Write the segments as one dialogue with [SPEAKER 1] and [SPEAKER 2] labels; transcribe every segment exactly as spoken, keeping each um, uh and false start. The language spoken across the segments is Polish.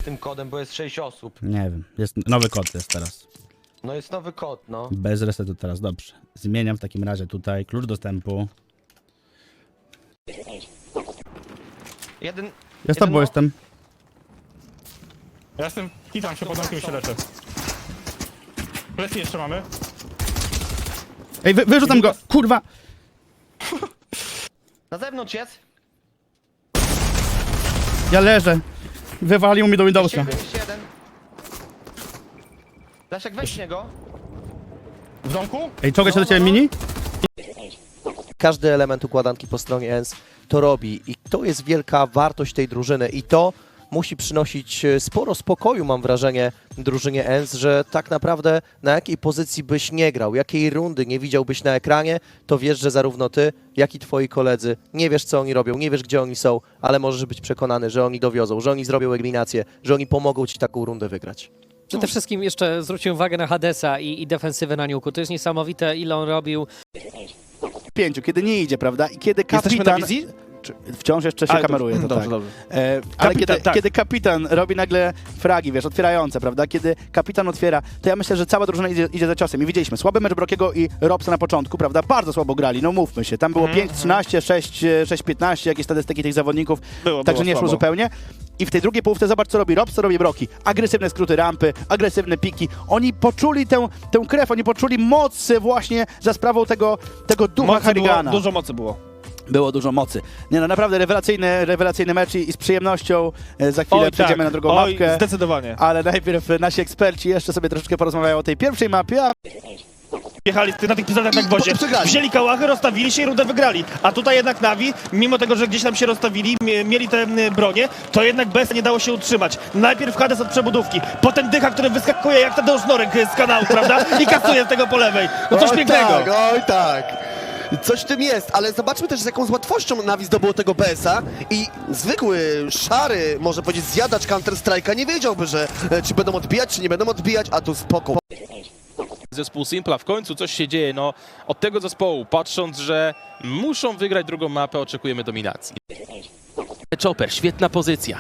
[SPEAKER 1] tym kodem, bo jest sześć osób.
[SPEAKER 2] Nie wiem, jest nowy kod jest teraz.
[SPEAKER 1] No jest nowy kod, no.
[SPEAKER 2] Bez resetu teraz, dobrze. Zmieniam w takim razie tutaj klucz dostępu.
[SPEAKER 1] Jeden...
[SPEAKER 2] Ja z
[SPEAKER 1] jeden
[SPEAKER 2] tobą
[SPEAKER 1] no-
[SPEAKER 2] jestem.
[SPEAKER 3] Ja jestem, hitam się, pod domkiem się leczę. Plecy jeszcze mamy.
[SPEAKER 2] Ej, wy, wyrzucam go! Kurwa!
[SPEAKER 1] Na zewnątrz jest.
[SPEAKER 2] Ja leżę. Wywalił mi do
[SPEAKER 1] Jeszcze
[SPEAKER 2] Windowsa.
[SPEAKER 1] jeden, jeszcze jeden. Leszek, weź niego.
[SPEAKER 3] W domku?
[SPEAKER 2] Ej, czołgaj się
[SPEAKER 1] No,
[SPEAKER 2] do ciebie
[SPEAKER 1] no, no.
[SPEAKER 2] mini?
[SPEAKER 4] Każdy element układanki po stronie E N S to robi i to jest wielka wartość tej drużyny i to musi przynosić sporo spokoju, mam wrażenie, drużynie E N S, że tak naprawdę na jakiej pozycji byś nie grał, jakiej rundy nie widziałbyś na ekranie, to wiesz, że zarówno ty, jak i twoi koledzy nie wiesz, co oni robią, nie wiesz, gdzie oni są, ale możesz być przekonany, że oni dowiozą, że oni zrobią eliminację, że oni pomogą ci taką rundę wygrać.
[SPEAKER 5] Przede wszystkim jeszcze zwróciłem uwagę na Hadesa i, i defensywę na Niuku. To jest niesamowite, ile on robił.
[SPEAKER 2] Pięciu, kiedy nie idzie, prawda? I kiedy
[SPEAKER 6] Jesteśmy
[SPEAKER 2] kapitan...
[SPEAKER 6] na wizji?
[SPEAKER 2] Czy- Wciąż jeszcze się
[SPEAKER 6] Ale
[SPEAKER 2] kameruje, to
[SPEAKER 6] dobrze,
[SPEAKER 2] tak.
[SPEAKER 6] dobrze.
[SPEAKER 2] E, ale
[SPEAKER 6] Kapitan,
[SPEAKER 2] kiedy,
[SPEAKER 6] tak.
[SPEAKER 2] kiedy kapitan robi nagle fragi, wiesz, otwierające, prawda? Kiedy kapitan otwiera, to ja myślę, że cała drużyna idzie, idzie za ciosem. I widzieliśmy, słaby mecz Brokiego i Robsa na początku, prawda? Bardzo słabo grali, no mówmy się. Tam było
[SPEAKER 6] Mhm,
[SPEAKER 2] pięć trzynaście, sześć piętnaście, jakieś statystyki tych zawodników,
[SPEAKER 6] Było,
[SPEAKER 2] także
[SPEAKER 6] było
[SPEAKER 2] nie szło
[SPEAKER 6] słabo.
[SPEAKER 2] zupełnie. I w tej drugiej połówce zobacz, co robi Robs, co robi Broki. Agresywne skróty rampy, agresywne piki. Oni poczuli tę, tę krew, oni poczuli moc właśnie za sprawą tego, tego ducha
[SPEAKER 6] Mocy było,
[SPEAKER 2] Harrigana.
[SPEAKER 6] dużo mocy było.
[SPEAKER 2] Było dużo mocy. Nie no, naprawdę rewelacyjny, rewelacyjny mecz i, i z przyjemnością e, za chwilę
[SPEAKER 6] Oj,
[SPEAKER 2] przejdziemy
[SPEAKER 6] tak.
[SPEAKER 2] na drugą
[SPEAKER 6] Oj,
[SPEAKER 2] mapkę.
[SPEAKER 6] zdecydowanie.
[SPEAKER 2] Ale najpierw nasi eksperci jeszcze sobie troszeczkę porozmawiają o tej pierwszej mapie, a
[SPEAKER 7] Jechali na tych pistoletach na gwoździe, wzięli kałachy, rozstawili się i rundę wygrali. A tutaj jednak Navi, mimo tego, że gdzieś tam się rozstawili, mie- mieli te m, bronie, to jednak bez nie dało się utrzymać. Najpierw Hades od przebudówki, potem Dycha, który wyskakuje jak Tadeusz Norek z kanału, prawda? I kasuje z tego po lewej. No coś
[SPEAKER 8] Oj
[SPEAKER 7] pięknego.
[SPEAKER 8] Tak, oj tak. Coś w tym jest, ale zobaczmy też, z jaką z łatwością Navi zdobyło tego B S a i zwykły, szary, może powiedzieć, zjadacz Counter-Strike'a nie wiedziałby, że e, czy będą odbijać, czy nie będą odbijać, a tu spoko.
[SPEAKER 9] Zespół Simpla, w końcu coś się dzieje, no od tego zespołu, patrząc, że muszą wygrać drugą mapę, oczekujemy dominacji. Chopper, świetna pozycja.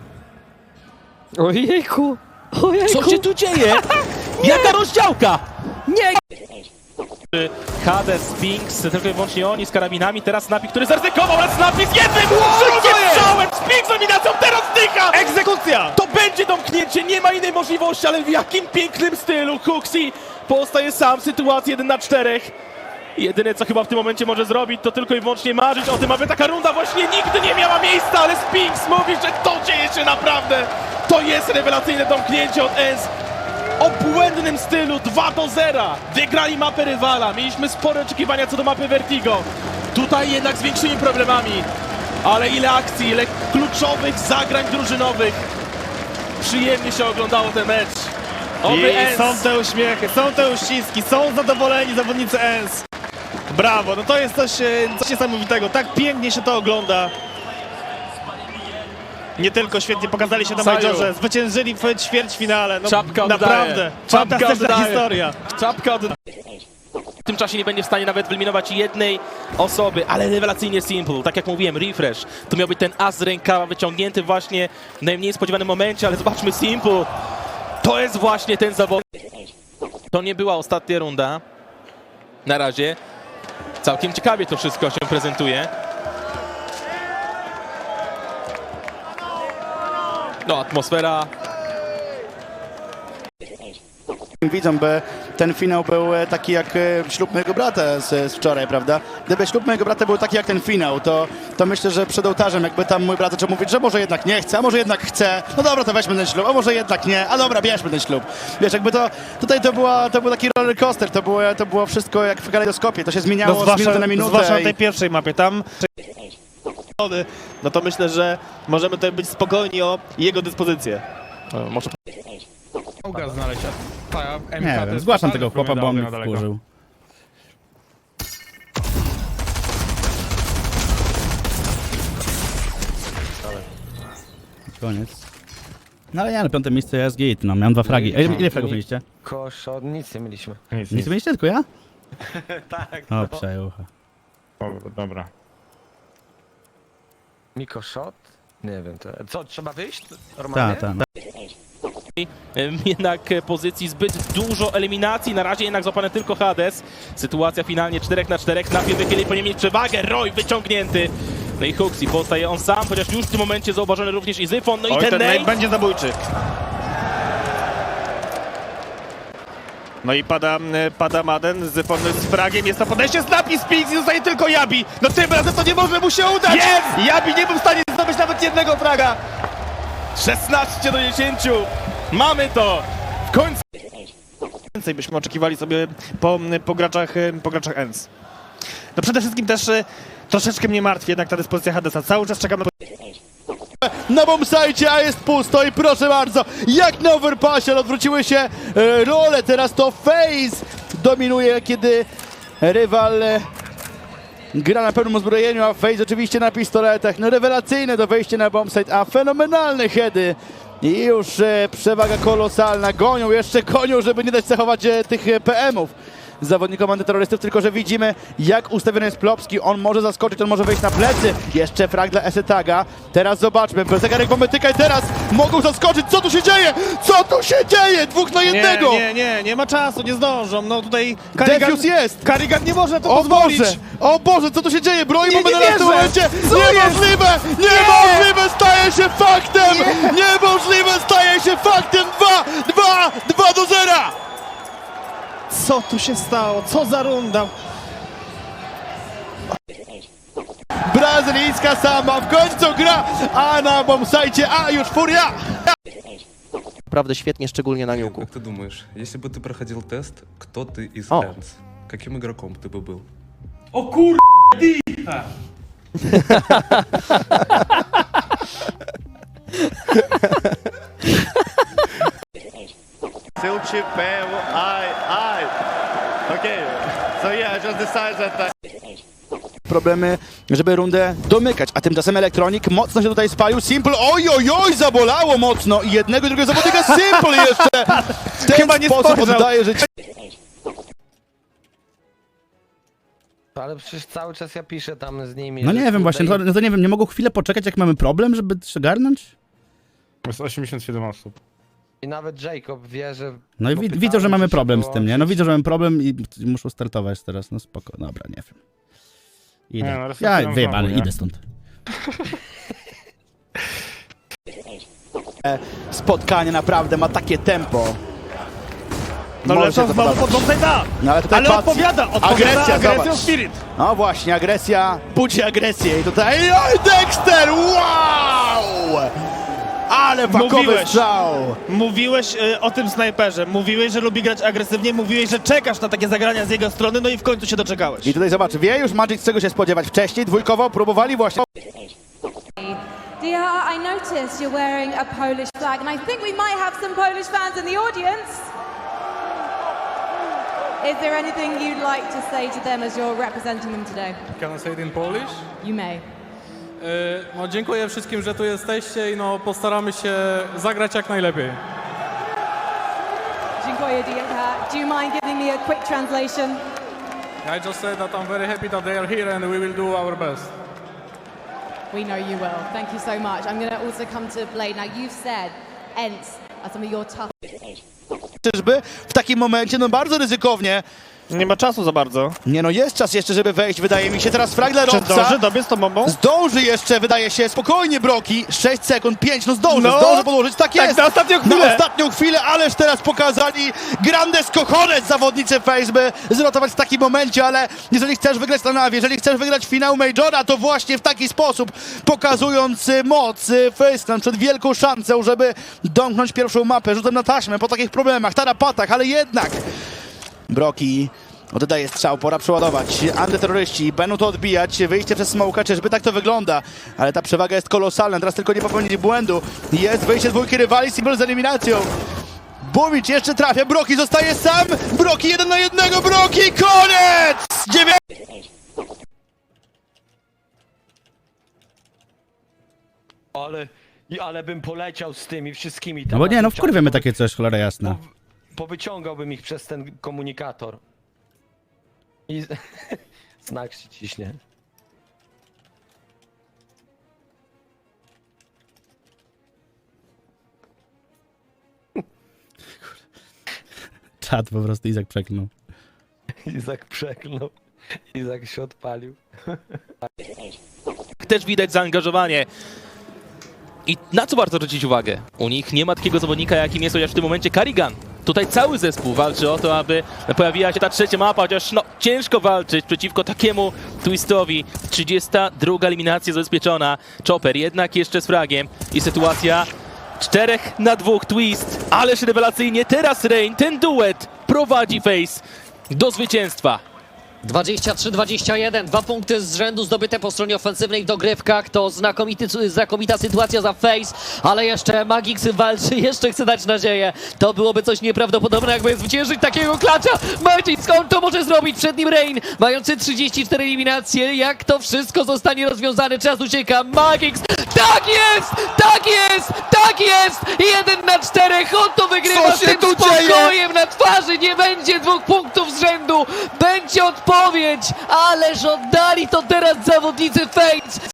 [SPEAKER 5] Ojejku! Ojejku!
[SPEAKER 9] Co się tu dzieje? Jaka rozdziałka?
[SPEAKER 5] Nie!
[SPEAKER 9] Hades, Spinks, tylko i wyłącznie oni z karabinami, teraz Napi, który zaryzykował, ale Napi z jednym szybkim strzałem, Spinks z dominacją, teraz Dycha!
[SPEAKER 7] Egzekucja!
[SPEAKER 9] To będzie domknięcie, nie ma innej możliwości, ale w jakim pięknym stylu Huxi pozostaje sam w sytuacji jeden na czterech. Jedyne, co chyba w tym momencie może zrobić, to tylko i wyłącznie marzyć o tym, aby taka runda właśnie nigdy nie miała miejsca, ale Spinks mówi, że to dzieje się naprawdę. To jest rewelacyjne domknięcie od E N S. O błędnym stylu dwa do zera. Wygrali mapę rywala. Mieliśmy spore oczekiwania co do mapy Vertigo. Tutaj jednak z większymi problemami. Ale ile akcji, ile kluczowych zagrań drużynowych. Przyjemnie się oglądało ten mecz. Oby E N
[SPEAKER 7] I
[SPEAKER 9] S.
[SPEAKER 7] są te uśmiechy, są te uściski, są zadowoleni zawodnicy E N S. Brawo, no to jest coś, e, coś niesamowitego, tak pięknie się to ogląda. Nie tylko świetnie pokazali się na
[SPEAKER 9] Saju.
[SPEAKER 7] Majorze, zwyciężyli w ćwierćfinale, no
[SPEAKER 9] Czapka oddaje.
[SPEAKER 7] naprawdę,
[SPEAKER 9] Czapka
[SPEAKER 7] fantastyczna
[SPEAKER 9] oddaje.
[SPEAKER 7] historia.
[SPEAKER 9] Czapka od... W tym czasie nie będzie w stanie nawet wyeliminować jednej osoby, ale rewelacyjnie Simple. Tak jak mówiłem, refresh. To miał być ten as z rękawa wyciągnięty właśnie w najmniej spodziewanym momencie, ale zobaczmy Simple. To jest właśnie ten zawod. To nie była ostatnia runda. Na razie. Całkiem ciekawie to wszystko się prezentuje. No, atmosfera.
[SPEAKER 2] widzą, by ten finał był e, taki jak e, ślub mojego brata z, z wczoraj, prawda? Gdyby ślub mojego brata był taki jak ten finał, to, to myślę, że przed ołtarzem jakby tam mój brat zaczął mówić, że może jednak nie chce, a może jednak chce, no dobra, to weźmy ten ślub, a może jednak nie, a dobra, bierzmy ten ślub. Wiesz, jakby to, tutaj to, była, to był taki roller coaster, to było, to było wszystko jak w kalejdoskopie, to się zmieniało
[SPEAKER 7] No
[SPEAKER 2] z
[SPEAKER 7] zwłaszcza,
[SPEAKER 2] minuty na minutę.
[SPEAKER 7] zwłaszcza na
[SPEAKER 2] i-
[SPEAKER 7] tej pierwszej mapie, tam no to myślę, że możemy tutaj być spokojni o jego dyspozycję.
[SPEAKER 9] O, może...
[SPEAKER 3] Mogę znaleźć, a ta M K
[SPEAKER 2] Nie
[SPEAKER 3] to
[SPEAKER 2] wiem,
[SPEAKER 3] jest
[SPEAKER 2] zgłaszam
[SPEAKER 3] totalnie
[SPEAKER 2] tego chłopa, bo on mnie
[SPEAKER 3] na daleko.
[SPEAKER 2] wkurzył. Koniec. No ale nie, ale piąte miejsce jest git, no miałem dwa fragi. Ej, ile fragów mieliście?
[SPEAKER 1] Koszo, nic nie mieliśmy.
[SPEAKER 3] Nic,
[SPEAKER 2] Nic
[SPEAKER 3] nic.
[SPEAKER 2] mieliście, tylko ja?
[SPEAKER 1] Tak.
[SPEAKER 2] O, przejucha.
[SPEAKER 3] O, dobra.
[SPEAKER 1] Miko shot? Nie wiem, to... Co, trzeba wyjść? Normalnie?
[SPEAKER 2] Tak, tak.
[SPEAKER 9] Jednak pozycji zbyt dużo eliminacji, na razie jednak złapany tylko Hades. Sytuacja finalnie cztery na cztery, Nafi wychyli, powinien mieć przewagę, Roy wyciągnięty. No i Huxi pozostaje on sam, chociaż już w tym momencie zauważony również i Zyfon, no i
[SPEAKER 7] Oj,
[SPEAKER 9] ten
[SPEAKER 7] ten nade
[SPEAKER 9] nade.
[SPEAKER 7] będzie zabójczy. No i pada, pada Maden z, z fragiem, jest to podejście, Snappy Spix i zostaje tylko Jabi. No tym razem to nie może mu się udać!
[SPEAKER 9] Jest!
[SPEAKER 7] Jabi nie był w stanie zdobyć nawet jednego fraga.
[SPEAKER 9] szesnaście do dziesięciu. Mamy to! W końcu!
[SPEAKER 7] Więcej byśmy oczekiwali sobie po, po graczach, po graczach E N S. No przede wszystkim też e, troszeczkę mnie martwi jednak ta dyspozycja Hadesa. Cały czas czekam na
[SPEAKER 2] Na bombsite, a jest pusto i proszę bardzo, jak na overpassie, ale odwróciły się e, role, teraz to FaZe dominuje, kiedy rywal e, gra na pełnym uzbrojeniu, a FaZe oczywiście na pistoletach. No rewelacyjne to wejście na bombsite, a fenomenalne heady. I już e, przewaga kolosalna, gonią, jeszcze gonią, żeby nie dać zachować e, tych e, P M-ów zawodnikom antyterrorystów, tylko że widzimy, jak ustawiony jest Plopski. On może zaskoczyć, on może wejść na plecy. Jeszcze frag dla Esetaga. Teraz zobaczmy, zegarek bombetyka i teraz mogą zaskoczyć. Co tu się dzieje? Co tu się dzieje? Dwóch na jednego!
[SPEAKER 7] Nie, nie, nie, nie ma czasu, nie zdążą. No tutaj
[SPEAKER 2] Defuse jest!
[SPEAKER 7] Karigan nie może to
[SPEAKER 2] O
[SPEAKER 7] pozwolić.
[SPEAKER 2] Boże! O Boże, co tu się dzieje? Broi
[SPEAKER 7] Nie,
[SPEAKER 2] mamy
[SPEAKER 7] nie
[SPEAKER 2] na w tym
[SPEAKER 7] wierzę!
[SPEAKER 2] momencie!
[SPEAKER 7] Co
[SPEAKER 2] Niemożliwe! Niemożliwe staje się faktem! Niemożliwe staje się faktem! Dwa, dwa, dwa do zera!
[SPEAKER 7] Co tu się stało? Co za runda?
[SPEAKER 2] Brazylijska sama w końcu gra, a na bombsite, a już furia!
[SPEAKER 4] Naprawdę świetnie, szczególnie na niuku.
[SPEAKER 6] Как ты думаешь, если бы ты проходил тест, кто ты из
[SPEAKER 4] О.
[SPEAKER 6] Энс? Каким игроком ты бы был?
[SPEAKER 2] Problemy, żeby rundę domykać, a tymczasem Elektronik mocno się tutaj spalił. Simple, oj, oj, oj, zabolało mocno i jednego i drugiego zawodnika Simple jeszcze w ten
[SPEAKER 7] Chyba nie
[SPEAKER 2] sposób
[SPEAKER 7] spojrzał.
[SPEAKER 2] oddaje życie.
[SPEAKER 1] Ale przecież cały czas ja piszę tam z nimi.
[SPEAKER 10] No
[SPEAKER 1] że
[SPEAKER 10] nie wiem
[SPEAKER 1] kurde
[SPEAKER 10] właśnie, to,
[SPEAKER 1] i-
[SPEAKER 10] no to nie wiem, nie mogą chwilę poczekać jak mamy problem, żeby przygarnąć?
[SPEAKER 3] Jest osiemdziesiąt siedem osób.
[SPEAKER 1] I nawet Jacob wie, że...
[SPEAKER 10] No i
[SPEAKER 1] bo
[SPEAKER 10] wi
[SPEAKER 1] pytałem,
[SPEAKER 10] widzą, że mamy
[SPEAKER 1] czy się
[SPEAKER 10] problem z tym, nie? No
[SPEAKER 1] wyłączyć.
[SPEAKER 10] widzą, że mamy problem i i muszą startować teraz, no spoko, dobra, nie wiem. Idę.
[SPEAKER 3] Nie, no,
[SPEAKER 10] Ja
[SPEAKER 3] restartują
[SPEAKER 10] wyjebany,
[SPEAKER 3] znowu, nie?
[SPEAKER 10] idę stąd.
[SPEAKER 2] Spotkanie naprawdę ma takie tempo.
[SPEAKER 7] No
[SPEAKER 2] Może
[SPEAKER 7] lecą
[SPEAKER 2] się to
[SPEAKER 7] znowu
[SPEAKER 2] podobać.
[SPEAKER 7] pod bombsite'a.
[SPEAKER 2] No ale tutaj
[SPEAKER 7] Ale
[SPEAKER 2] patrz,
[SPEAKER 7] odpowiada, odpowiada
[SPEAKER 2] agresja,
[SPEAKER 7] agresją
[SPEAKER 2] zobacz.
[SPEAKER 7] Spirit.
[SPEAKER 2] No właśnie, agresja budzi agresję i tutaj, oj, Dexter, wow! Ale fakowy
[SPEAKER 7] Mówiłeś.
[SPEAKER 2] strzał!
[SPEAKER 7] Mówiłeś e, o tym snajperze, mówiłeś, że lubi grać agresywnie, mówiłeś, że czekasz na takie zagrania z jego strony, no i w końcu się doczekałeś.
[SPEAKER 2] I tutaj zobacz, wie już Magic, czego się spodziewać. Wcześniej dwójkowo próbowali właśnie.
[SPEAKER 11] Dia, I noticed you're wearing a Polish flag, and I think we might have some Polish fans in the audience. Is there anything you'd like to say to them as you're representing them today?
[SPEAKER 12] Can I say it in Polish?
[SPEAKER 11] You may.
[SPEAKER 12] E, No, dziękuję wszystkim, że tu jesteście i no, postaramy się zagrać jak najlepiej.
[SPEAKER 11] Dziękuję, Dia. Do you mind giving me a quick translation?
[SPEAKER 12] I just said that I'm very happy that they are here and we will do our best.
[SPEAKER 11] We know you will. Thank you so much. I'm going to also come to Blade. Now, you've said E N S are some of your tough...
[SPEAKER 2] Czyżby w takim momencie, no bardzo ryzykownie.
[SPEAKER 7] Nie ma czasu za bardzo.
[SPEAKER 2] Nie no, jest czas jeszcze, żeby wejść, wydaje mi się. Teraz frag dla
[SPEAKER 7] Czy
[SPEAKER 2] Robca.
[SPEAKER 7] zdąży dobiec tą bombą?
[SPEAKER 2] Zdąży jeszcze, wydaje się, spokojnie Broki. sześć sekund, pięć, no zdąży,
[SPEAKER 7] No.
[SPEAKER 2] zdąży podłożyć, tak
[SPEAKER 7] Tak,
[SPEAKER 2] jest.
[SPEAKER 7] na ostatnią chwilę.
[SPEAKER 2] Na ostatnią chwilę, ależ teraz pokazali grandes cojones zawodnicy FaZe, by zrotować w takim momencie, ale jeżeli chcesz wygrać na Navi, jeżeli chcesz wygrać finał Majora, to właśnie w taki sposób, pokazując y, moc y, FaZe przed wielką szansą, żeby domknąć pierwszą mapę, rzutem na taśmę po takich problemach, tarapatach, ale jednak Broki oddaje strzał, pora przeładować. Antyterroryści będą to odbijać, wyjście przez smoka, czyżby tak to wygląda. Ale ta przewaga jest kolosalna, teraz tylko nie popełnić błędu. Jest wyjście dwójki rywali, Simple z eliminacją. Bumicz jeszcze trafia, Broki zostaje sam. Broki jeden na jednego, Broki, koniec! Dziewię...
[SPEAKER 1] Ale, i- ale bym poleciał z tymi wszystkimi.
[SPEAKER 10] No bo nie, no
[SPEAKER 1] tematami.
[SPEAKER 10] wkurwiamy takie coś, cholera jasna.
[SPEAKER 1] Po, powyciągałbym ich przez ten komunikator. I znak się ciśnie.
[SPEAKER 10] Czad po prostu Izak przeklnął.
[SPEAKER 1] Izak przeklnął. Izak się odpalił.
[SPEAKER 9] Też widać zaangażowanie. I na co warto zwrócić uwagę? U nich nie ma takiego zawodnika, jakim jest chociaż w tym momencie Karrigan. Tutaj cały zespół walczy o to, aby pojawiła się ta trzecia mapa, chociaż no, ciężko walczyć przeciwko takiemu twistowi. trzydziesta druga eliminacja zabezpieczona. Chopper jednak jeszcze z fragiem i sytuacja czterech na dwóch twist. Ależ rewelacyjnie teraz Rain, ten duet prowadzi Face do zwycięstwa.
[SPEAKER 5] dwadzieścia trzy dwadzieścia jeden, dwa punkty z rzędu zdobyte po stronie ofensywnej w dogrywkach. To znakomity, znakomita sytuacja za Face, ale jeszcze Magix walczy, jeszcze chce dać nadzieję. To byłoby coś nieprawdopodobnego, jakby zwyciężyć takiego klacza. Magix, on to może zrobić, przed nim Rain, mający trzydzieści cztery eliminacje. Jak to wszystko zostanie rozwiązane? Czas ucieka. Magix, tak jest, tak jest, tak jest! Jeden na czterech, on to wygrywa
[SPEAKER 8] Co
[SPEAKER 5] z
[SPEAKER 8] się
[SPEAKER 5] tym
[SPEAKER 8] tu dzieje?
[SPEAKER 5] spokojem na twarzy. Nie będzie dwóch punktów z rzędu, będzie odpowiedź, ależ oddali to teraz zawodnicy Fates.